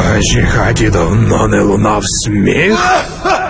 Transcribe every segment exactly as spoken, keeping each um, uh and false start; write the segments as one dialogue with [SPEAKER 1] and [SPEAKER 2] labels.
[SPEAKER 1] нашій хаті давно не лунав сміх.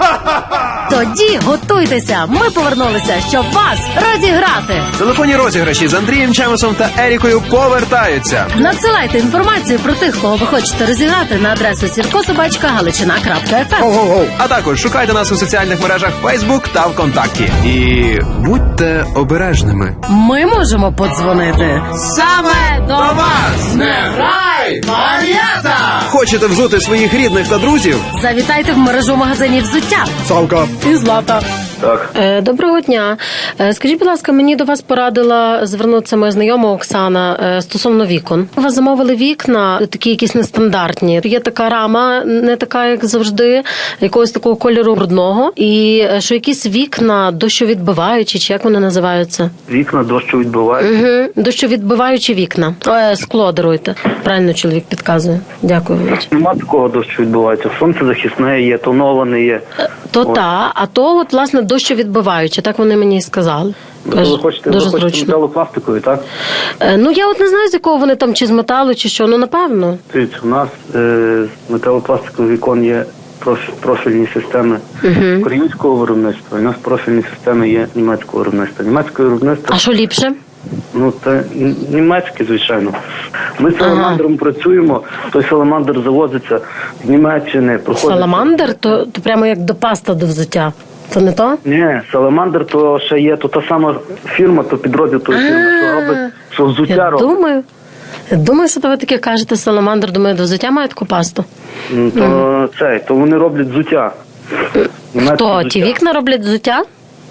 [SPEAKER 2] Тоді готуйтеся, ми повернулися, щоб вас розіграти.
[SPEAKER 3] Телефонні розіграші з Андрієм Чемесом та Ерікою повертаються.
[SPEAKER 2] Надсилайте інформацію про тих, кого ви хочете розіграти на адресу сірко собачка галичина крапка еф ем.
[SPEAKER 3] А також шукайте нас у соціальних мережах Facebook та ВКонтакті. І будьте обережними.
[SPEAKER 2] Ми можемо подзвонити саме до вас.
[SPEAKER 3] Не грай, Мар'ята! Хочете взути своїх рідних та друзів?
[SPEAKER 2] Завітайте в мережу магазинів взуття.
[SPEAKER 1] Савка.
[SPEAKER 2] І Злата.
[SPEAKER 1] Так.
[SPEAKER 2] Е, доброго дня. Е, скажіть, будь ласка, мені до вас порадила звернутися моя знайома Оксана е, стосовно вікон. У вас замовили вікна, такі якісь нестандартні. Є така рама, не така, як завжди, якогось такого кольору брудного. І е, що якісь вікна дощовідбиваючі, чи як вони називаються?
[SPEAKER 4] Вікна дощовідбивають.
[SPEAKER 2] Угу. Дощовідбиваючі вікна. Е, скло даруйте. Правильно чоловік підказує. Дякую.
[SPEAKER 4] Нема такого дощовідбивається. Сонцезахисне є, тоноване є.
[SPEAKER 2] То
[SPEAKER 4] От.
[SPEAKER 2] та, а то от, власне, дощовідбиваюче. Так вони мені і сказали.
[SPEAKER 4] Ви хочете,
[SPEAKER 2] Дуже
[SPEAKER 4] ви хочете
[SPEAKER 2] зручно.
[SPEAKER 4] металопластикові, так?
[SPEAKER 2] Е, ну, я от не знаю, з якого вони там, чи з металу, чи що, ну, напевно.
[SPEAKER 4] Дивіться, у нас е, з металопластикових вікон є проф- профільні системи
[SPEAKER 2] Угу.
[SPEAKER 4] українського виробництва, і у нас профільні системи є німецького виробництва. Німецьке виробництво,
[SPEAKER 2] А що ліпше?
[SPEAKER 4] ну це н- німецьке, звичайно. Ми з
[SPEAKER 2] Ага.
[SPEAKER 4] саламандром працюємо, той саламандр завозиться з Німеччини. проходить-
[SPEAKER 2] Саламандр, то, то прямо як до паста до взуття. То не то?
[SPEAKER 4] Ні, саламандр то ще є, то та сама фірма, то підрозділ тої фірми, що робить, що взуття
[SPEAKER 2] Я
[SPEAKER 4] робить.
[SPEAKER 2] думаю. Я думаю, що то ви таке кажете, саламандр, думаю, до взуття має таку пасту.
[SPEAKER 4] Ну, то цей, то вони роблять взуття. Німецьке
[SPEAKER 2] То
[SPEAKER 4] взуття.
[SPEAKER 2] ті вікна роблять взуття?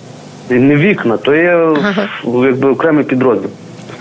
[SPEAKER 4] І не вікна, то є
[SPEAKER 2] Ага.
[SPEAKER 4] якби окремий підрозділ.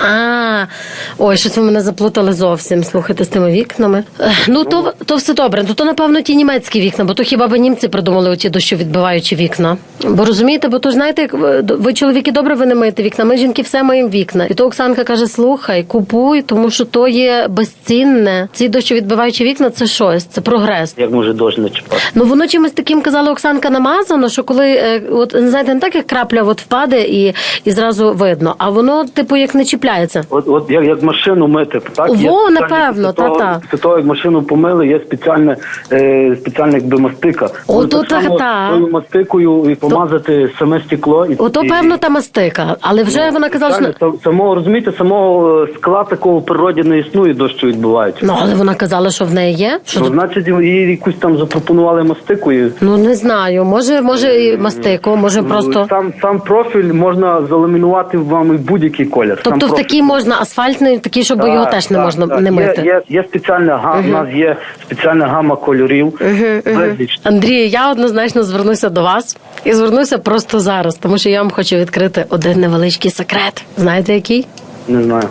[SPEAKER 2] А, ой, щось ви мене заплутали зовсім, слухайте, з тими вікнами. Ех, Ну, то, то все добре. Ну, то, напевно, ті німецькі вікна, бо то хіба б німці придумали оті дощовідбиваючі вікна. Бо розумієте, бо то ж знаєте, як ви, ви чоловіки добре ви не миєте вікна, ми жінки все маємо вікна. І то Оксанка каже, слухай, купуй, тому що то є безцінне. Ці дощовідбиваючі вікна – це щось, це прогрес.
[SPEAKER 4] Як може дощ не чіпати?
[SPEAKER 2] Ну, воно чимось таким, казала Оксанка, намазано, що коли, е, от, знаєте, не так, як крапля от впаде і, і зразу видно, а воно, типу, як не чіпляється.
[SPEAKER 4] От, от як, як машину мити, так?
[SPEAKER 2] Во,
[SPEAKER 4] Є спеціальні-
[SPEAKER 2] напевно,
[SPEAKER 4] після того-
[SPEAKER 2] та-та.
[SPEAKER 4] Після того, як машину помили, є спеціальне, е, спеціальна якби мастика.
[SPEAKER 2] О,
[SPEAKER 4] Можна
[SPEAKER 2] то
[SPEAKER 4] так само
[SPEAKER 2] та-та.
[SPEAKER 4] тою мастикою і помазати саме стекло. І,
[SPEAKER 2] Ото,
[SPEAKER 4] і-
[SPEAKER 2] певно, та мастика, але вже вона казала, що...
[SPEAKER 4] Правильно, сам- самого, розумієте, самого е, скла такого в природі не існує, дощу відбувається.
[SPEAKER 2] Ну, але вона казала, що в неї є. Що
[SPEAKER 4] Ну,
[SPEAKER 2] тут?
[SPEAKER 4] значить, їй якусь там запропонували мастику. І,
[SPEAKER 2] Ну, не знаю, може, може і мастику, може просто...
[SPEAKER 4] Сам, сам профіль можна заламінувати вам і будь-який колір. Сам
[SPEAKER 2] Тобто в
[SPEAKER 4] профіль.
[SPEAKER 2] такий можна асфальтний, такий, щоб його
[SPEAKER 4] Так,
[SPEAKER 2] теж не
[SPEAKER 4] так,
[SPEAKER 2] можна
[SPEAKER 4] так.
[SPEAKER 2] не мити.
[SPEAKER 4] Є, є, є спеціальна гама, у нас є спеціальна гама кольорів. Безліч.
[SPEAKER 2] Андрій, я однозначно звернуся до вас і звернуся просто зараз, тому що я вам хочу відкрити один невеличкий секрет. Знаєте, який?
[SPEAKER 4] Не знаю.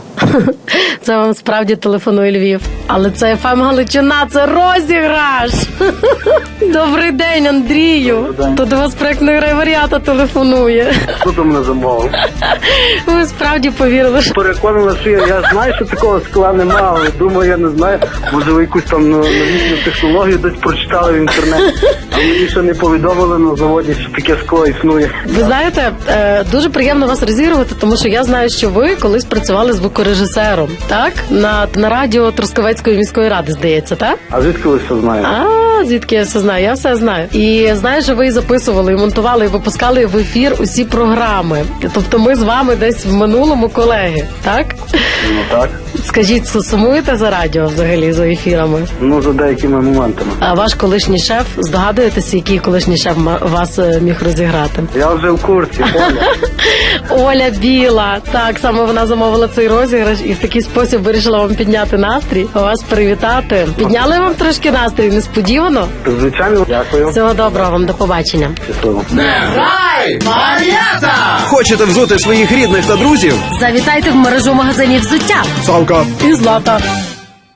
[SPEAKER 2] Це вам справді телефонує Львів. Але це еф ем Галичина, це розіграш! Добрий день, Андрію!
[SPEAKER 4] Добрий день.
[SPEAKER 2] То до вас проєктний райваріата телефонує.
[SPEAKER 4] Хто там мене замовив?
[SPEAKER 2] Ви справді повірили, що...
[SPEAKER 4] Переконана, що я, я знаю, що такого скла немає, але думаю, я не знаю. Може, ви якусь там ну, новітню технологію десь прочитали в інтернеті. А мені ще не повідомили на заводі, що таке скло існує.
[SPEAKER 2] Ви знаєте, е, дуже приємно вас розігрувати, тому що я знаю, що ви колись працювали звукорежисером, так? На, на радіо Трускавецької міської ради, здається, так?
[SPEAKER 4] А звідки ви все знаєте?
[SPEAKER 2] А, звідки я все знаю? Я все знаю. І знаю, що ви і записували, і монтували, і випускали в ефір усі програми. Тобто ми з вами десь в минулому колеги, так?
[SPEAKER 4] Ну так.
[SPEAKER 2] Скажіть, сумуєте за радіо взагалі, за ефірами?
[SPEAKER 4] Ну, за деякими моментами.
[SPEAKER 2] А ваш колишній шеф, здогадуєтеся, який колишній шеф ма- вас е, міг розіграти?
[SPEAKER 4] Я вже в курсі, Оля.
[SPEAKER 2] Оля Біла. Так, саме вона замовила цей розіграш і в такий спосіб вирішила вам підняти настрій, вас привітати. Підняли вам трошки настрій, несподівано?
[SPEAKER 4] Звичайно, дякую.
[SPEAKER 2] Всього доброго вам, до побачення.
[SPEAKER 4] Щасливо.
[SPEAKER 3] Грай, Мар'ята! Хочете взути своїх рідних та друзів?
[SPEAKER 2] Завітайте в мережу магазинів взуття.
[SPEAKER 1] Савка.
[SPEAKER 2] І Злата.